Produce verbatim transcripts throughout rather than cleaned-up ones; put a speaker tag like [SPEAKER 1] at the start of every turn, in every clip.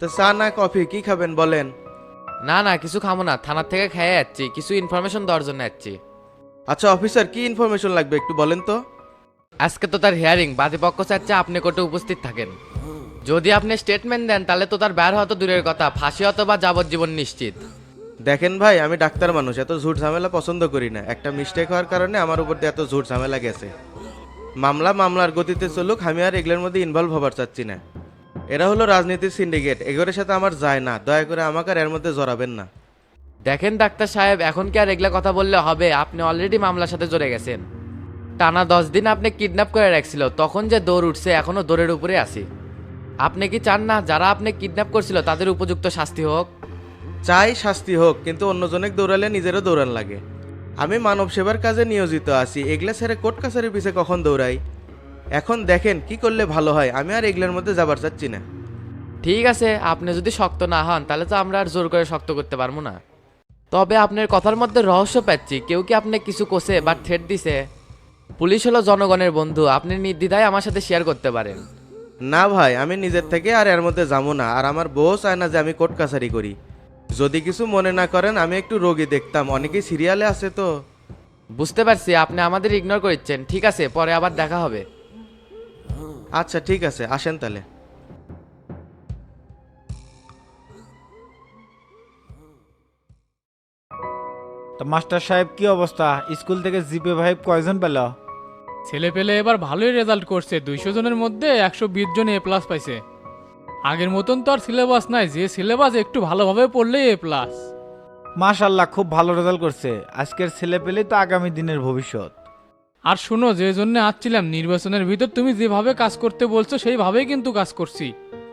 [SPEAKER 1] তো চা না কফি কি খাবেন বলেন?
[SPEAKER 2] না না কিছু খামো না, থানার থেকে খেয়ে যাচ্ছি, কিছু ইনফরমেশন দেওয়ার জন্য যাচ্ছি।
[SPEAKER 1] আচ্ছা অফিসার, কি ইনফরমেশন লাগবে একটু বলেন তো।
[SPEAKER 2] আজকে তো তার হিয়ারিং, বাদীপক্ষ চাচ্ছে আপনি কোর্টে উপস্থিত থাকেন। যদি আপনি স্টেটমেন্ট দেন তাহলে তো তার বের হতো দূরের কথা, ফাঁসি হতো বা যাবজ্জীবন নিশ্চিত।
[SPEAKER 1] দেখেন ভাই, আমি ডাক্তার মানুষ, এত ঝুট ঝামেলা পছন্দ করি না। একটা মিস্টেক হওয়ার কারণে আমার উপর দিয়ে এত ঝুট ঝামেলা গেছে। মামলা মামলার গতিতে চলুক, আমি আর এগুলোর মধ্যে ইনভলভ হবার চাচ্ছি না। এরা হলো রাজনীতির সিন্ডিকেট, এগুলোর সাথে আমার যায় না। দয়া করে আমাকে আর এর মধ্যে জড়াবেন না।
[SPEAKER 2] দেখেন ডাক্তার সাহেব, এখন কি আর এগুলা কথা বললে হবে? আপনি অলরেডি মামলার সাথে জড়ে গেছেন। টানা দশ দিন আপনি কিডন্যাপ করে রাখছিল, তখন যে দৌড় উঠছে এখনো দৌড়ের উপরে আছি। আপনি কি চান না যারা আপনি কিডন্যাপ করছিল তাদের উপযুক্ত শাস্তি হোক?
[SPEAKER 1] চাই শাস্তি হোক, কিন্তু অন্যজনের দৌড়ালে নিজেরও দৌড়ান লাগে। আমি মানব সেবার কাজে নিয়োজিত আছি, এগুলা ছেড়ে কোর্ট কাছারির পিছে কখন দৌড়াই? এখন দেখেন কি করলে ভালো হয়, আমি আর এগুলোর মধ্যে যাবার চাচ্ছি না।
[SPEAKER 2] ঠিক আছে, আপনি যদি শক্ত না হন তাহলে তো আমরা আর জোর করে শক্ত করতে পারবো না। তবে আপনার কথার মধ্যে রহস্য পাচ্ছি, কেউ কি আপনি কিছু কোসে বা থ্রেট দিছে? পুলিশ হলো জনগণের বন্ধু, আপনি নির্দ্বিধায় আমার সাথে শেয়ার করতে পারেন।
[SPEAKER 1] না ভাই, আমি নিজের থেকে আর এর মধ্যে যাবো না, আর আমার বউ চায় না যে আমি কোর্ট কাছারি করি। যদি কিছু মনে না করেন, আমি একটু রোগী দেখতাম, অনেকেই সিরিয়ালে আছে তো।
[SPEAKER 2] বুঝতে পারছি আপনি আমাদের ইগনোর করছেন, ঠিক আছে পরে আবার দেখা হবে।
[SPEAKER 1] আচ্ছা ঠিক আছে, আসেন তাহলে।
[SPEAKER 3] তো মাস্টার সাহেব কি অবস্থা? স্কুল থেকে জিপে ভাই কয়জন পেল?
[SPEAKER 4] ছেলে পেলে এবার ভালোই রেজাল্ট করছে, দুইশো জনের মধ্যে একশো বিশ জন এ প্লাস পাইছে। আগের মতন তো আর সিলেবাস নাই, যে সিলেবাস একটু ভালোভাবে পড়লেই এ প্লাস।
[SPEAKER 3] মাশাল্লাহ, খুব ভালো রেজাল্ট করছে। আজকের ছেলে পেলে তো আগামী দিনের ভবিষ্যৎ।
[SPEAKER 4] আর শুনো, যে জন্য আসছিলাম, নির্বাচনের ভিতর তুমি যেভাবে কাজ করতে বলছো সেইভাবেই কিন্তু কাজ করছি।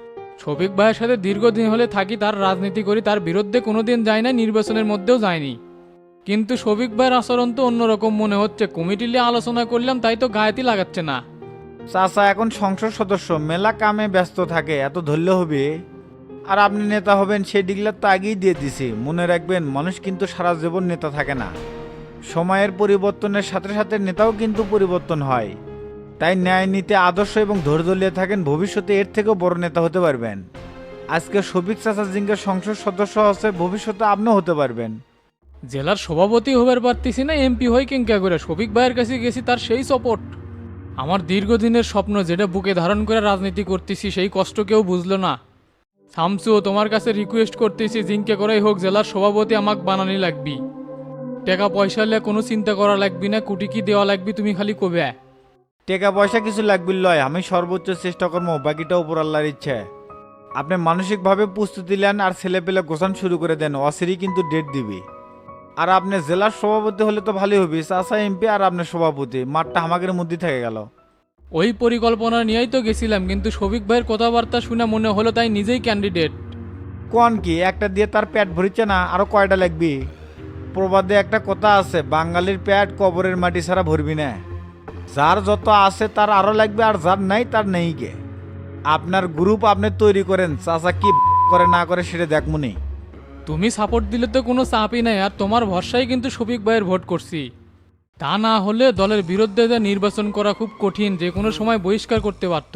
[SPEAKER 4] শফিক ভাইয়ের সাথে দীর্ঘদিন হলে থাকি, তার রাজনীতি করি, তার বিরুদ্ধে কোনোদিন যায় না, নির্বাচনের মধ্যেও যায়নি। কিন্তু শফিক ভাইয়ের আচরণ তো অন্যরকম মনে হচ্ছে, কমিটি নিয়ে আলোচনা করলাম তাই তো গায়েতি লাগাচ্ছে না।
[SPEAKER 3] চাচা এখন সংসদ সদস্য, মেলা কামে ব্যস্ত থাকে, এত ধরল হবে? আর আপনি নেতা হবেন সেই ডিগলার তো আগেই দিয়ে দিছি। মনে রাখবেন, মানুষ কিন্তু সারা জীবন নেতা থাকে না। সময়ের পরিবর্তনের সাথে সাথে নেতাও কিন্তু পরিবর্তন হয়। তাই ন্যায় নীতি আদর্শ এবং ধৈর্য নিয়ে থাকেন, ভবিষ্যতে এর থেকেও বড় নেতা হতে পারবেন। আজকে শফিক চাচা জিঙ্গের সংসদ সদস্য আছে, ভবিষ্যতে আপনিও হতে পারবেন।
[SPEAKER 4] জেলার সভাপতি হবার পারতেছি না, এমপি হয় কিংকা করে শফিক ভাইয়ের কাছে গেছি, তার সেই সাপোর্ট। আমার দীর্ঘদিনের স্বপ্ন যেটা বুকে ধারণ করে রাজনীতি করতেছি, সেই কষ্ট কেউ বুঝলো না। শামসু, তোমার কাছে রিকোয়েস্ট করতেছি, জিঙ্কে করাই হোক জেলার সভাপতি আমাকে বানানি লাগবি। টাকা পয়সা হলে কোনো চিন্তা করা লাগবি না, কুটি কি দেওয়া লাগবি তুমি খালি কবে।
[SPEAKER 3] টাকা পয়সা কিছু লাগবে লয়, আমি সর্বোচ্চ চেষ্টা করবো, বাকিটা উপর আল্লাহর ইচ্ছে। আপনি মানসিকভাবে প্রস্তুতি নেন আর ছেলে পেলে গোছান শুরু করে দেন, অসিরই কিন্তু ডেট দিবি। আর আপনি জেলার সভাপতি হলে তো ভালোই হবে, চাচা এমপি আর আপনার সভাপতি, মাঠটা আমাদের মধ্যে থেকে গেল।
[SPEAKER 4] ওই পরিকল্পনা নিয়েই তো গেছিলাম, কিন্তু শফিক ভাইয়ের কথাবার্তা শুনে মনে হলো তাই নিজেই ক্যান্ডিডেট।
[SPEAKER 3] কোন কি একটা দিয়ে তার পেট ভরিচ্ছে না, আরো কয়টা লাগবি? প্রবাদে একটা কথা আছে, বাঙালির পেট কবরের মাটি ছাড়া ভরবি না। যার যত আছে তার আরো লাগবে, আর যার নাই তার নেই গে। আপনার গ্রুপ আপনি তৈরি করেন, চাচা কি করে না করে সেটা দেখমুনি।
[SPEAKER 4] তুমি সাপোর্ট দিলে তো কোনো চাপই নাই, আর তোমার ভরসায় কিন্তু শফিক ভাইয়ের ভোট করছি। তা না হলে দলের বিরুদ্ধে যা নির্বাচন করা খুব কঠিন, যে কোনো সময় বহিষ্কার করতে পারত।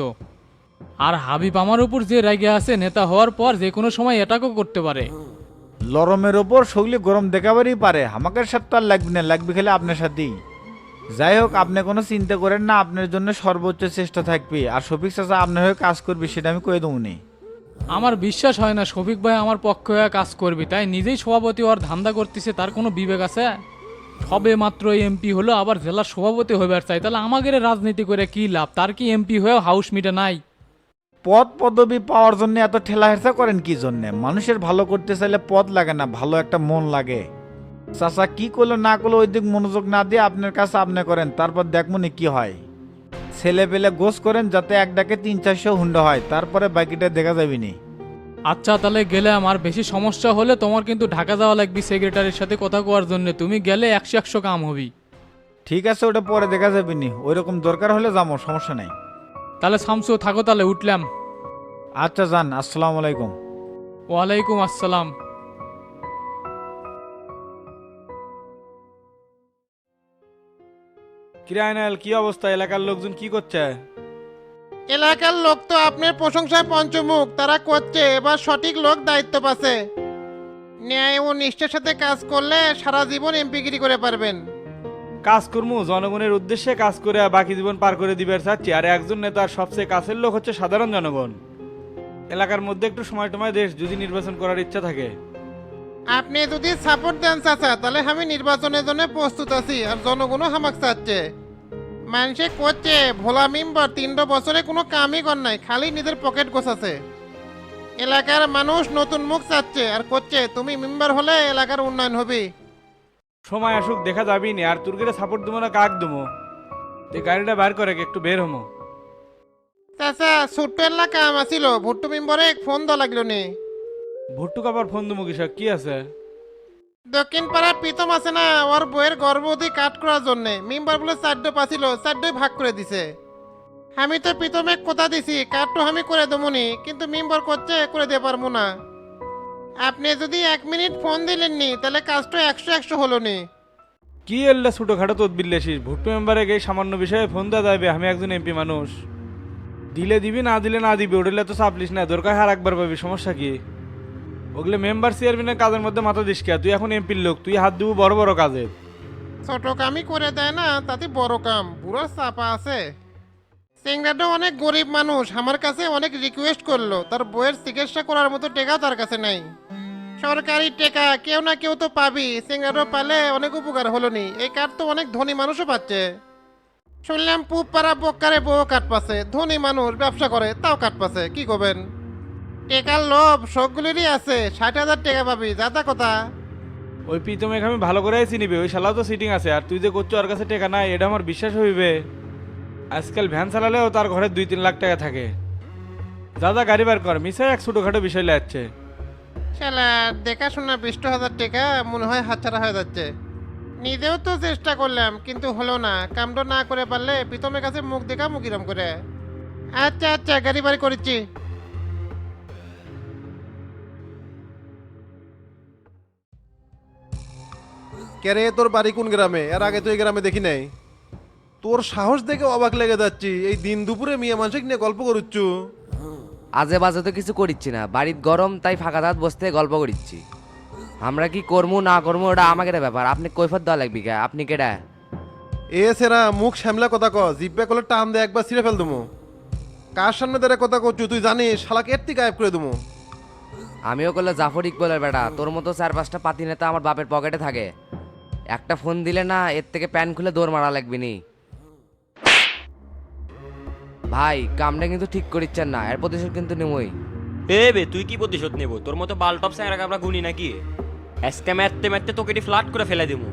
[SPEAKER 4] আর হাবিব আমার উপর যে রেগে আছে, নেতা হওয়ার পর যে কোনো সময় এটাকেও করতে পারে।
[SPEAKER 3] লরমের ওপর শৈলী গরম দেখাবারই পারে, আমাকে সাথে তো আর লাগবে না, লাগবে খেলে আপনার সাথেই। যাই হোক, আপনি কোনো চিন্তা করেন না, আপনার জন্য সর্বোচ্চ চেষ্টা থাকবে। আর শফিক চাচা আপনার হয়ে কাজ করবে, সেটা আমি কয়ে দেবনি।
[SPEAKER 4] আমার বিশ্বাস হয় না শফিক ভাই আমার পক্ষে হয়ে কাজ করবি, তাই নিজেই সভাপতি হওয়ার ধান্দা করতেছে, তার কোনো বিবেক আছে? সবে মাত্র এমপি হলো, আবার জেলার সভাপতি হইবার চাই, তাহলে আমাদের রাজনীতি করে কি লাভ? তার কি এমপি হয়েও হাউস মিটে নাই?
[SPEAKER 3] পদ পদবি পাওয়ার জন্য এত ঠেলা হেরচা করেন কি জন্যে? মানুষের ভালো করতে চাইলে পদ লাগে না, ভালো একটা মন লাগে। চাচা কি করলো না করলো ওই দিক মনোযোগ না দিয়ে আপনার কাছে আপনি করেন, তারপর দেখমনি কি হয়। ছেলে পেলে গোস করেন যাতে এক ডাকে তিন চারশো হুন্ডা হয়, তারপরে বাকিটা দেখা যাবি নি।
[SPEAKER 4] আচ্ছা তাহলে গেলাম, আর বেশি সমস্যা হলে তোমার কিন্তু ঢাকা যাওয়া লাগবে সেক্রেটারির সাথে কথা কোয়ার জন্য, তুমি গেলে একশো একশো কাম হবি।
[SPEAKER 3] ঠিক আছে, ওটা পরে দেখা যাবি নি, ওই রকম দরকার হলে যাবো, সমস্যা নাই।
[SPEAKER 4] তাহলে শামসু থাকো, তাহলে উঠলাম।
[SPEAKER 3] আচ্ছা যান, আসসালামু আলাইকুম।
[SPEAKER 4] ওয়ালাইকুম আসসালাম।
[SPEAKER 5] কিরায়নাল, কি অবস্থা? এলাকার লোকজন কি করছে? এলাকার লোক তো আপনার প্রশংসায় পঞ্চমুখ, তারা করছে এবার সঠিক লোক দায়িত্ব পাচ্ছে। ন্যায় ও নিষ্ঠার সাথে কাজ করলে সারা জীবন এমপিগিরি করে পারবেন।
[SPEAKER 6] কাজ করবো জনগণের উদ্দেশ্যে কাজ করে বাকি জীবন পার করে দিবার চাচ্ছি। আর একজন নেতার সবচেয়ে কাছের লোক হচ্ছে সাধারণ জনগণ। এলাকার মধ্যে একটু সময় টময় দেশ যদি নির্বাচন করার ইচ্ছা থাকে।
[SPEAKER 5] আপনি যদি সাপোর্ট দেন চাচা, তাহলে আমি নির্বাচনের জন্য প্রস্তুত আছি। আর জনগণও হামাক চাচ্ছে। মানুষে করছে ভোলা মেম্বার তিনটা বছরে কোনো কামই কর নাই, খালি নিজের পকেট গোছাছে। এলাকার মানুষ নতুন মুখ চাচ্ছে আর করছে তুমি মেম্বার হলে এলাকার উন্নয়ন হবে।
[SPEAKER 6] সময় আসুক দেখা যাবি না। আর তোর সাপোর্ট দেবো না কাক দেবো? তুই গাড়িটা বার করে একটু বের হমো।
[SPEAKER 5] চাচা ছোট্ট এলাকা কাম আছিল, ভুট্টু মেম্বারে ফোন দেওয়া লাগলো নি।
[SPEAKER 6] ভুট্টু কাবার ফোন দেবো কিসব কি আছে?
[SPEAKER 5] দক্ষিণ পাড়া প্রীতম আছে না, ওর বইয়ের গর্ভবতী কাট করার জন্য মেম্বার বলে চারটে পাছিল, চারটে ভাগ করে দিছে। আমি তো প্রীতমে কথা দিছি কাটটো আমি করে দেবনি, কিন্তু মেম্বার করছে করে দিয়ে পারবো না। আপনি যদি এক মিনিট ফোন দিলেননি তাহলে কাজটা একশো একশো হলো নি।
[SPEAKER 6] কি এল্লা ছোটোখাটো তদবির লেসিস? ভুট্টু মেম্বারে এই সামান্য বিষয়ে ফোন দেওয়া যাবে? আমি একজন এমপি মানুষ। দিলে দিবি, না দিলে না দিবি, ওটা তো চাপলিস না। দরকার হার একবার পাবি, সমস্যা কি? ওগুলো মেম্বার চেয়ারম্যানের কাজের মধ্যে মাথা দিস কে? তুই এখন এমপির লোক, তুই হাত দিব বড় বড় কাজে।
[SPEAKER 5] ছোট কামই করে দেয় না, তাতে বড় কাম পুরো চাপা আছে। সিংড়াটা অনেক গরিব মানুষ, আমার কাছে অনেক রিকোয়েস্ট করলো, তার বইয়ের চিকিৎসা করার মতো টাকা তার কাছে নাই। সরকারি টাকা কেউ না কেউ তো পাবি, সিংড়াটা পালে অনেক উপকার হলো নি। এই কার্ড তো অনেক ধনী মানুষও পাচ্ছে। শুনলাম পুব পাড়া বক্কারে বউ কাট পাচ্ছে, ধনী মানুষ ব্যবসা করে তাও কাট পাচ্ছে, কি করবেন? টেকার লোভ সবগুলিরই আছে, ষাট হাজার টাকা পাবি, যাতা কথা।
[SPEAKER 6] ওই প্রীতমে আমি ভালো করে চিনিবে, ওই শালাও তো সিটিং আছে। আর তুই যে করছো ওর কাছে টাকা নাই, এটা আমার বিশ্বাস হইবে? আজকাল ভ্যান চালালেও তার ঘরে দুই তিন লাখ টাকা থাকে। দাদা গাড়ি বার কর, মিশাই এক ছোটোখাটো বিষয় লাগছে।
[SPEAKER 5] শালা দেখাশোনা বিশ হাজার টাকা মনে হয় হাতছাড়া হয়ে যাচ্ছে। নিজেও তো চেষ্টা করলাম কিন্তু হলো না, কামটা না করে পারলে প্রীতমের কাছে মুখ দেখা মুখিরাম করে। আচ্ছা আচ্ছা গাড়ি বাড়ি করেছি।
[SPEAKER 7] কেরে তোর বাড়ি কোন গ্রামে? এর আগে তো এই গ্রামে দেখি নাই। তোর সাহস দেখে অবাক লেগে যাচ্ছি, এই দিন দুপুরে মিয়া মানুষ নিয়ে গল্প করুচ্ছু।
[SPEAKER 8] আজে বাজে তো কিছু করিচ্ছি না, বাড়ির গরম তাই ফাঁকা দাঁত বসতে গল্প করিচ্ছি। আমরা কি করবো না করবো ওটা আমাকে ব্যাপার, আপনি কৈফত দেওয়া লাগবি কে? আপনি কেডা?
[SPEAKER 7] এ সেরা মুখ শ্যামলা কথা ক, জিব্বা কলে টান দে একবার ছিঁড়ে ফেল দেবো। কার সামনে দাঁড়া কথা করছু তুই জানিস? শালাকে এর থেকে গায়েব করে দেবো।
[SPEAKER 8] আমিও করলে জাফর ইকবলের বেটা, তোর মতো চার পাঁচটা পাতি নেতা আমার বাপের পকেটে থাকে। একটা ফোন দিলে না এর থেকে প্যান খুলে দৌড় মারা লাগবি নি। ভাই কামটা কিন্তু ঠিক করিচ্ছেন না, এর প্রতিশোধ কিন্তু নেমই।
[SPEAKER 9] এ বে তুই কি প্রতিশোধ নেব? তোর মতো বালটপ স্যাংরা আমরা গুনি নাকি? আজকে মারতে মারতে তোকে এটি ফ্ল্যাট করে ফেলে দেবো।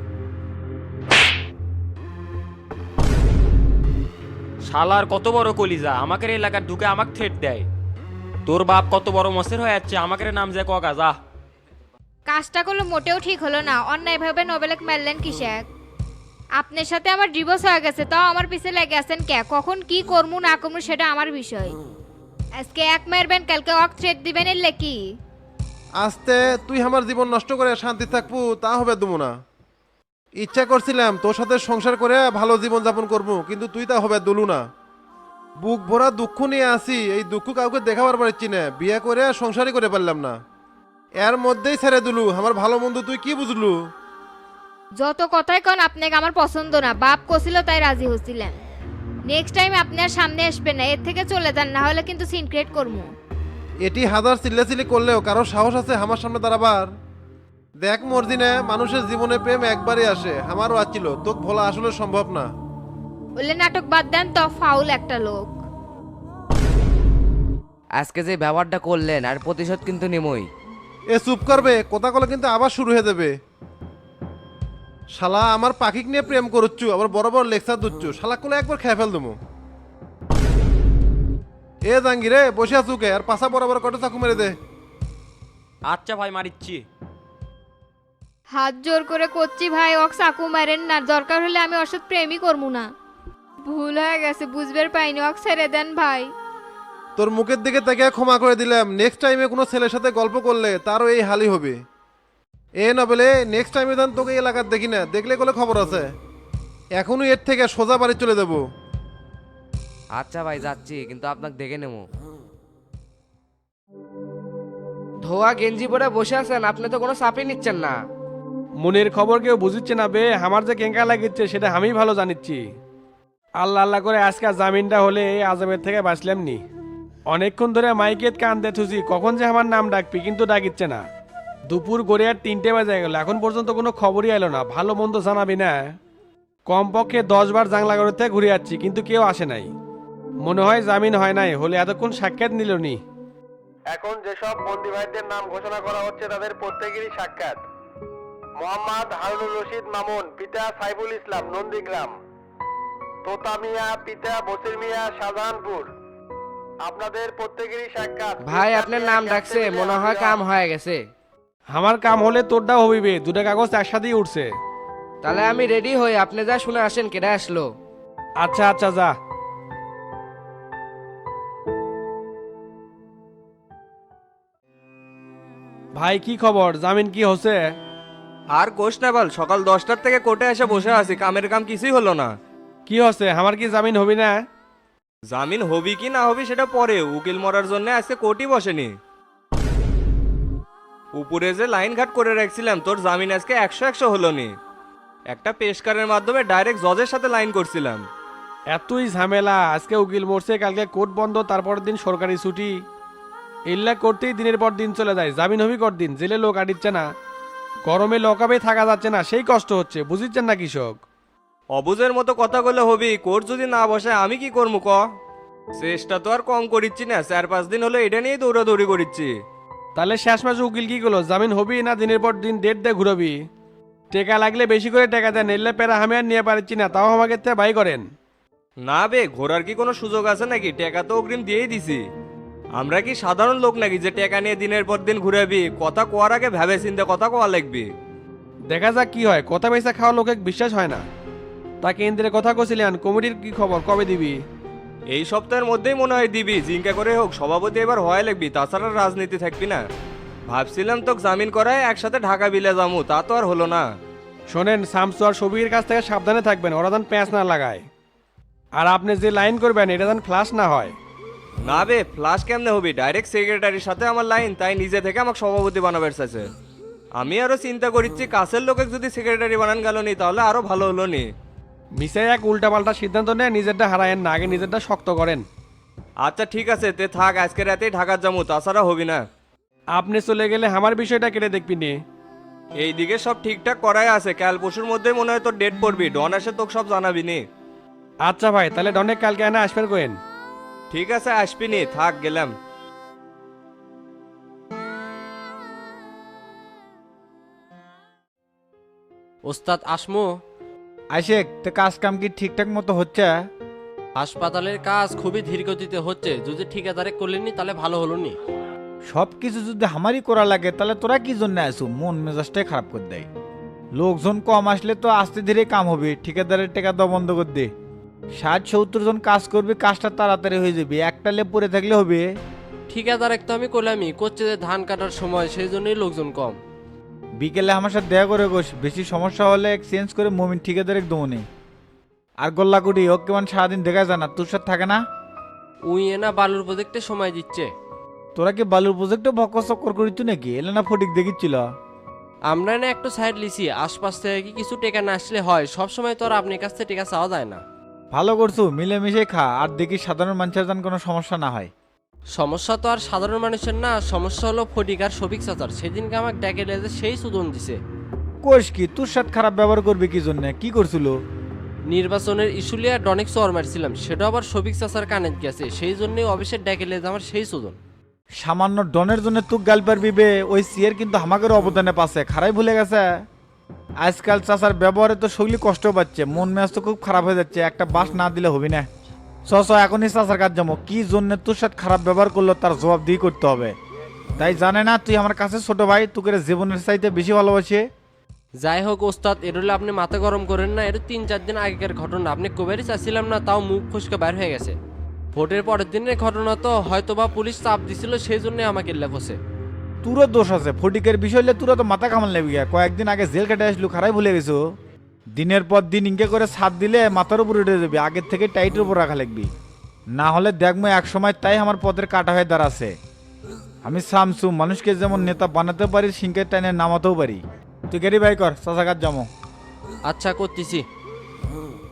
[SPEAKER 9] শালার কত বড় কলিজা, আমাকে এলাকার ঢুকে আমাকে থ্রেট দেয়। তোর বাপ কত বড় মসের হয়ে যাচ্ছে, আমাকে নাম যায় কগা যা।
[SPEAKER 10] কাজটা করলো মোটেও ঠিক হলো না, অন্যায়ভাবে নোবেলেক মারলেন কিসেক? আপনার সাথে আমার ডিভোর্স হয়ে গেছে, তাও আমার পিছে লেগে আছেন কে? কখন কি করবো না করবো সেটা আমার বিষয়। আজকে এক মারবেন, কালকে অক থ্রেট দিবেন, এলে কি?
[SPEAKER 7] আস্তে তুই আমার জীবন নষ্ট করে শান্তি থাকবো তা হবে দেবো না। ইচ্ছা করছিলাম তোর সাথে সংসার করে ভালো জীবন যাপন করবো, কিন্তু তুই তা হবে দুলু না। বুক ভরা দুঃখ নিয়ে আসি, এই দুঃখ কাউকে দেখাবার পারছি না, বিয়ে করে সংসারই করে পারলাম না। এর মধ্যেই ছেড়ে দিলু, আমার ভালো মন্দ তুই কি বুঝলু?
[SPEAKER 10] যত কথাই কন আপনাকে আমার পছন্দ না, বাপ কছিল তাই রাজি হচ্ছিলেন। নেক্সট টাইম আপনার সামনে আসবেন না, এর থেকে চলে যান, না হলে কিন্তু সিন ক্রিয়েট করবো।
[SPEAKER 7] এটি হাজার চিল্লাচিল্লি করলেও কারো সাহস আছে আমার সামনে দাঁড়াবার? দেখ মর্জিনে, মানুষের জীবনে প্রেম একবারই আসে, আমারও আছিল, তোকে ভোলা আসলে সম্ভব না।
[SPEAKER 10] বললে নাটক বাদ দেন তো, ফাউল একটা লোক।
[SPEAKER 8] আজকে যে ব্যবহারটা করলেন আর প্রতিশোধ কিন্তু নেমই।
[SPEAKER 7] এ চুপ করবে, কথা কলে কিন্তু আবার শুরু হয়ে যাবে। শালা আমার পাখিক নিয়ে প্রেম করুচ্ছু, আবার বড় বড় লেকচার দিচ্ছু, শালা কোলে একবার খেয়ে ফেল দেবো। এ জাঙ্গিরে বসে আছুকে, আর পাশা বরাবর কত চাকু মেরে দে।
[SPEAKER 9] আচ্ছা ভাই মারিচ্ছি।
[SPEAKER 10] হাত জোর করে করছি ভাই, অক চাকু মারেন না, দরকার হলে আমি ওর সাথে প্রেমই করবো না। ভুল হয়ে গেছে, বুঝবার পাইনি, অক ছেড়ে দেন ভাই।
[SPEAKER 7] তোর মুখের দিকে তাকে ক্ষমা করে দিলাম, নেক্সট টাইমে কোনো ছেলের সাথে গল্প করলে তারও এই হালই হবে। এ নবেলে নেক্সট টাইমে দেন তোকে এলাকার দেখি না, দেখলে কোলে খবর আছে। এখনই এর থেকে সোজা বাড়ি চলে যাব।
[SPEAKER 8] আচ্ছা ভাই যাচ্ছি, কিন্তু আপনাকে দেখে নেবো। ধোয়া গেঞ্জি পরে বসে আছেন, আপনি তো কোনো চাপই নিচ্ছেন না।
[SPEAKER 6] মনের খবর কেউ বুঝিচ্ছে না বে, আমার যে কেঙ্কা লাগিচ্ছে সেটা আমি ভালো জানিচ্ছি। আল্লাহ আল্লাহ করে আজকে জামিনটা হলে এই আজমের থেকে বাঁচলাম নি। অনেকক্ষণ ধরে মাইকেত কান দেখুছি কখন যে আমার নাম ডাকবি, কিন্তু ডাকিচ্ছে না। দুপুর গড়ে আর তিনটে বাজে গেল, এখন পর্যন্ত কোনো খবরই এলো না। ভালো মন্দ জানাবি না? কমপক্ষে দশ বার জাংলা করে থেকে ঘুরে যাচ্ছি, কিন্তু কেউ আসে নাই। মনে হয় জামিন হয় নাই, হলে এতক্ষণ সাক্ষাৎ নিল নি। এখন যেসব বন্দি ভাইদের নাম ঘোষণা করা হচ্ছে তাদের প্রত্যেকেরই সাক্ষাৎ। মোহাম্মদ হারুনুর রশিদ মামুন, পিতা সাইফুল ইসলাম, নন্দীগ্রাম। তোতা মিয়া, পিতা বসির মিয়া, শাহজাহানপুর। আপনাদের প্রত্যেকেরই সাক্ষাৎ।
[SPEAKER 8] ভাই আপনার নাম ডাকছে, মনে হয় কাম হয়ে গেছে।
[SPEAKER 6] আমার কাম হলে তোরটাও হবিবে, দুটা কাগজ একসাথেই উঠছে।
[SPEAKER 8] তাহলে আমি রেডি হই, আপনি যা শুনে আসেন কেটে আসলো।
[SPEAKER 6] আচ্ছা আচ্ছা যা। ভাই কি খবর, জামিন কি হচ্ছে?
[SPEAKER 11] আর কোষ না বল, সকাল দশটার থেকে কোর্টে এসে বসে আছি, কামের কাম কিছুই হলো না।
[SPEAKER 6] কি হচ্ছে, আমার কি জামিন হবি না?
[SPEAKER 11] জামিন হবি কি না হবি সেটা পরে, উকিল মরার জন্য আজকে কোর্টই বসেনি। উপরে যে লাইন ঘাট করে রাখছিলাম, তোর জামিন আজকে একশো একশো হলো নি। একটা পেশকারের মাধ্যমে ডাইরেক্ট জজের সাথে লাইন করছিলাম।
[SPEAKER 6] এতই ঝামেলা, আজকে উকিল মরছে, কালকে কোর্ট বন্ধ, তারপর দিন সরকারি ছুটি। ইল্লা করতেই দিনের পর দিন চলে যায়। জামিন হবি কর দিন, জেলে লোক আটিচ্ছে না, গরমে লকাবে থাকা যাচ্ছে না, সেই কষ্ট হচ্ছে, বুঝিচ্ছেন না কৃষক?
[SPEAKER 11] অবুজের মতো কথা বলে হবি, কোর্ট যদি না বসে আমি কি করবো ক? চেষ্টা তো আর কম করিচ্ছি না, চার পাঁচ দিন হলো এটা নিয়েই দৌড়াদৌড়ি করিচ্ছি।
[SPEAKER 6] তাহলে শেষ মাসে উকিল কি করলো, জামিন হবি না দিনের পর দিন ডেট দিয়ে ঘুরবি? টেকা লাগলে বেশি করে টাকা দেন, এলে পেরা আমি আর নিয়ে পারছি না, তাও আমাকে তে ভাই করেন।
[SPEAKER 11] না বে, ঘোরার কি কোনো সুযোগ আছে নাকি? টাকা তো অগ্রিম দিয়েই দিছি। আমরা কি সাধারণ লোক নাকি যে টাকা নিয়ে দিনের পর দিন ঘুরাবি? কথা কোয়ার আগে ভেবে চিন্তে কথা কোয়া লাগবে।
[SPEAKER 6] দেখা যাক কি হয়, কথা পয়সা খাওয়া লোকে বিশ্বাস হয় না। তা কেন্দ্রের কথা কছিলেন, কমিটির কি খবর, কবে দিবি?
[SPEAKER 11] এই সপ্তাহের মধ্যেই মনে হয় দিবি, জিঙ্কা করে হোক সভাপতি এবার হয় লাগবি, তাছাড়া রাজনীতি থাকবি না। ভাবছিলাম তোকে জামিন করায় একসাথে ঢাকা বিলে যামু, তা তো আর হলো না।
[SPEAKER 6] শোনেন, শামসু আর সবির কাছ থেকে সাবধানে থাকবেন, ওরা যেন প্যাঁচ না লাগায়। আর আপনি যে লাইন করবেন এটা যেন ফ্লাশ না হয়।
[SPEAKER 11] না বে, ফ্লাশ কেমনে হবি? ডাইরেক্ট সেক্রেটারির সাথে আমার লাইন, তাই নিজে থেকে আমাকে সভাপতি বানাবার চাইছে। আমি আরো চিন্তা করিচ্ছি, কাছের লোকে যদি সেক্রেটারি বানান গেল নি তাহলে আরো ভালো হলো নি।
[SPEAKER 6] মিশে এক উল্টাপাল্টা সিদ্ধান্ত নেয়, নিজেরটা হারায়েন না, আগে নিজেরটা শক্ত করেন।
[SPEAKER 11] আচ্ছা ঠিক আছে, তে থাক, আজকে রাতেই ঢাকার যামু, তাছাড়া হবি না।
[SPEAKER 6] আপনি চলে গেলে আমার বিষয়টা কেটে দেখবি নি।
[SPEAKER 11] এইদিকে সব ঠিকঠাক করাই আছে, কাল পরশুর মধ্যেই মনে হয় তোর ডেট পড়বি, ডন এসে তোকে সব জানাবি নি।
[SPEAKER 6] আচ্ছা ভাই, তাহলে ডনেক কালকে এনে আসবেন কোয়েন।
[SPEAKER 11] ঠিক আছে, আসবি নি, থাক গেলাম।
[SPEAKER 12] ওস্তাদ আসমো?
[SPEAKER 3] আইসেক, তো কাজ কাম কি ঠিকঠাক মতো হচ্ছে?
[SPEAKER 12] হাসপাতালের কাজ খুবই ধীর গতিতে হচ্ছে, যদি ঠিকাদারে করলেনি তাহলে ভালো হলো নি।
[SPEAKER 3] সব কিছু যদি আমারই করা লাগে তাহলে তোরা কি জন্য আসু? মন মেজাজটাই খারাপ করে দেয়। লোকজন কম আসলে তো আস্তে ধীরে কাম হবে, ঠিকাদারের টাকা দেওয়া বন্ধ করে দে। ষাট সত্তর জন কাজ করবে, কাজটা তাড়াতাড়ি হয়ে যাবে, একটা লেপ পরে থাকলে হবে?
[SPEAKER 12] ঠিকাদার তো আমি করলামই, করছে যে ধান কাটার সময়, সেই জন্যই লোকজন কম।
[SPEAKER 3] বিকেলে আমার সাথে দেখা করে গোস, বেশি সমস্যা হলে এক্সচেঞ্জ করে মমিন ঠিকাদারের দমনে। আর গোল্লাকুটি ও কেমন সারাদিন দেখা যায় না, তোর সাথে থাকে না?
[SPEAKER 12] উই এনা বালুর প্রজেক্টে সময় দিচ্ছে।
[SPEAKER 3] তোরা কি বালুর প্রজেক্টে বক্ক চক্কর করিত নাকি? এলে না ফটিক দেখিচ্ছিল।
[SPEAKER 12] আমরা না একটু সাইড লিছি, আশপাশ থেকে কি কিছু টেকা না আসলে হয়, সব সময় তো আর আপনার কাছ থেকে টেকা চাওয়া যায় না।
[SPEAKER 3] ভালো করছো, মিলেমিশে খা, আর দেখি সাধারণ মানুষের যেন কোনো সমস্যা না হয়।
[SPEAKER 12] সমস্যা তো আর সাধারণ মানুষের না, সমস্যা হলো ফটিক আর সবিক চাচার। সেদিনকে আমাকে ডেকে লেজে সেই সুদন দিছে।
[SPEAKER 3] কোষ কি তোর সাথে খারাপ ব্যবহার করবে কি জন্য? কি করছিল?
[SPEAKER 12] নির্বাচনের ইস্যুলিয়া ডনেক চর মারছিলাম, সেটা আবার সবিক চাচার কানে গেছে, সেই জন্যই অফিসের ডেকে লেজ আমার সেই সুদন।
[SPEAKER 3] সামান্য ডনের জন্য তুক গাল পারবি বে? ওই সিয়ের কিন্তু আমাকের অবদানে পাশে খারাই ভুলে গেছে। আজকাল চাচার ব্যবহারে তো শৈলী কষ্ট পাচ্ছে, মন মেজাজ তো খুব খারাপ হয়ে যাচ্ছে, একটা বাস না দিলে হবি না। চ চ এখনই চাচার কাজ যাবো, কি জন্য তোর সাথে খারাপ ব্যবহার করলো তার জবাব দিয়ে করতে হবে। তাই জানে না তুই আমার কাছে ছোট ভাই, তোকে জীবনের চাইতে বেশি ভালোবাসে।
[SPEAKER 12] যাই হোক ওস্তাদ, এটা হলে আপনি মাথা গরম করেন না, এটা তিন চার দিন আগেকার ঘটনা, আপনি কবেরই চাচ্ছিলাম না, তাও মুখ ফসকে বাইর হয়ে গেছে। ভোটের পরের দিনের ঘটনা তো, হয়তো বা পুলিশ চাপ দিছিল, সেই জন্য আমাকে লেখছে।
[SPEAKER 3] তোরও দোষ আছে, ফটিকের বিষয় হলে তোরা তো মাথা কামাল নেবি। কয়েকদিন আগে জেল কেটে আসলু, খারাই ভুলে গেছো। দিনের পর দিন ইনকে করে ছাদ দিলে মাথার উপর উঠে যাবি, আগের থেকে টাইটের উপর রাখা লাগবি। না হলে দেখবো এক সময় তাই আমার পথের কাটা হয়ে দাঁড়াছে। আমি সামসু, মানুষকে যেমন নেতা বানাতে পারি সিংকের টাইনে নামাতেও পারি। তুই গাড়ি বাই কর, চাচাঘাট যাবো।
[SPEAKER 12] আচ্ছা করতেছি।